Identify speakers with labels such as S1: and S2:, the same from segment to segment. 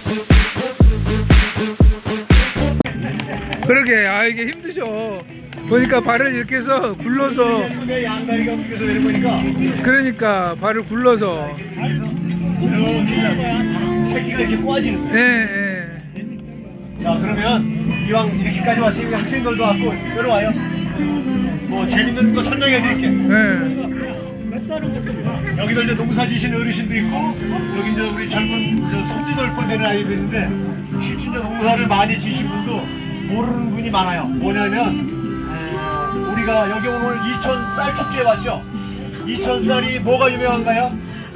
S1: 그러게, 아, 이게 힘드셔. 보니까 발을 이렇게 해서 굴러서.
S2: 양다리가 움직여서 내려보니까.
S1: 그러니까 발을 굴러서.
S2: 새끼가 이렇게 꼬아지는 거야.
S1: 예.
S2: 자, 그러면 이왕 이렇게까지 왔으니까 학생들도 왔고 내려와요. 뭐 재밌는 거 설명해 드릴게.
S1: 예.
S2: 여기도 이제 농사 지시는 어르신도 있고, 여기 이제 우리 젊은 손주들 꼴되는 아이들 있는데, 실제 농사를 많이 지신 분도 모르는 분이 많아요. 뭐냐면 우리가 여기 오늘 이천 쌀 축제에 왔죠. 이천 쌀이 뭐가 유명한가요?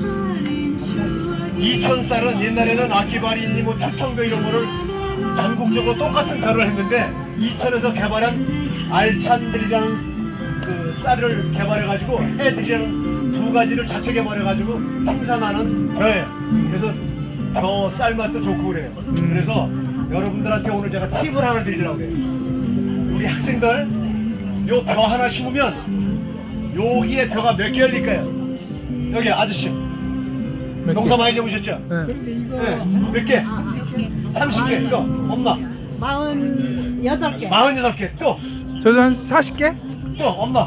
S2: 이천 쌀은 옛날에는 아키바리니 뭐 추청도 이런 거를 전국적으로 똑같은 벼를 했는데, 이천에서 개발한 알찬들이라는 그 쌀을 개발해가지고 해들이라는 두 가지를 자체 개발해가지고 생산하는 벼예요. 그래서 벼 쌀 맛도 좋고 그래요. 그래서 여러분들한테 오늘 제가 팁을 하나 드리려고 해요. 우리 학생들 요 벼 하나 심으면 여기에 벼가 몇 개 열릴까요? 여기 아저씨 농사 많이 접으셨죠? 네. 몇 개? 30개. 또 엄마
S3: 48개.
S2: 48개. 또
S1: 저도 한 40개?
S2: 또 엄마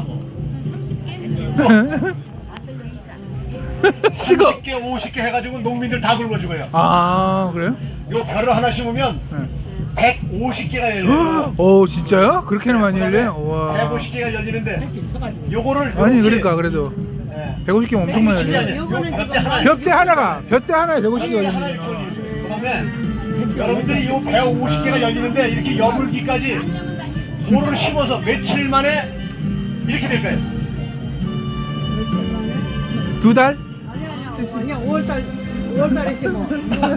S1: 찍어.
S2: 30개, 50개 해가지고 농민들 다 굶어주고요.
S1: 아, 그래요?
S2: 요 벼를 하나 심으면 150개가 열려요.
S1: 오, 진짜요? 그렇게는 많이 열려요? 와.
S2: 150개가 열리는데 요거를
S1: 아니,
S2: 요렇게,
S1: 그러니까 그래도
S2: 예.
S1: 150개면 엄청 많이
S2: 미친이
S1: 열려요.
S2: 아니에요. 요 벼대 하나
S1: 벽대 하나에 150개
S2: 벼대 하나 이렇게
S1: 열리네요.
S2: 열리는 그 다음에 여러분들이 요 150개가 열리는데 이렇게 여물기까지 모를 심어서 며칠 만에 이렇게 될까요?
S1: 2달?
S3: 아니야, 5월달에 심어.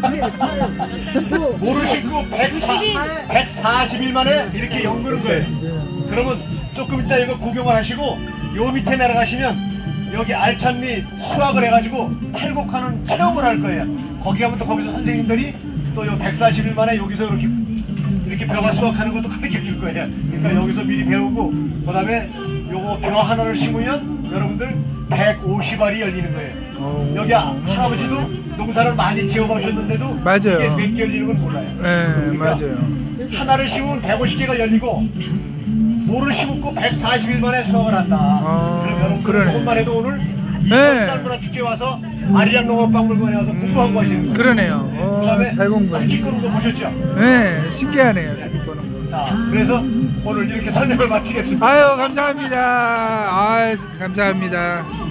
S2: 모를 심고 140일 만에 이렇게 연그는 거예요. 그러면 조금 이따 이거 구경을 하시고 요 밑에 내려가시면 여기 알찬리 수확을 해가지고 탈곡하는 체험을 할 거예요. 거기 가면 또 거기서 선생님들이 또 요 140일 만에 여기서 이렇게 벼가 수확하는 것도 가르쳐 줄 거예요. 그러니까 여기서 미리 배우고 그 다음에 요거 벼 하나를 심으면 여러분들 150알이 열리는 거예요. 여기 할아버지도 농사를 많이 지어보셨는데도
S1: 맞아요.
S2: 이게 몇 개 열리는 건 몰라요.
S1: 네, 맞아요.
S2: 하나를 심으면 150개가 열리고 모를 심고 140일 만에 수확을 한다. 그럼 여러분
S1: 그러네.
S2: 그것만 해도 오늘
S1: 네.
S2: 이천 쌀문화 축제 와서 아리랑 농업박물관에 와서 공부한 거 하시는 거예요.
S1: 그러네요.
S2: 그다음에
S1: 잘 공부했네.
S2: 새끼 끄는 거 보셨죠?
S1: 네, 신기하네요. 새끼 거는 거.
S2: 자, 그래서 오늘 이렇게 설명을 마치겠습니다.
S1: 아유, 감사합니다. 아유, 감사합니다.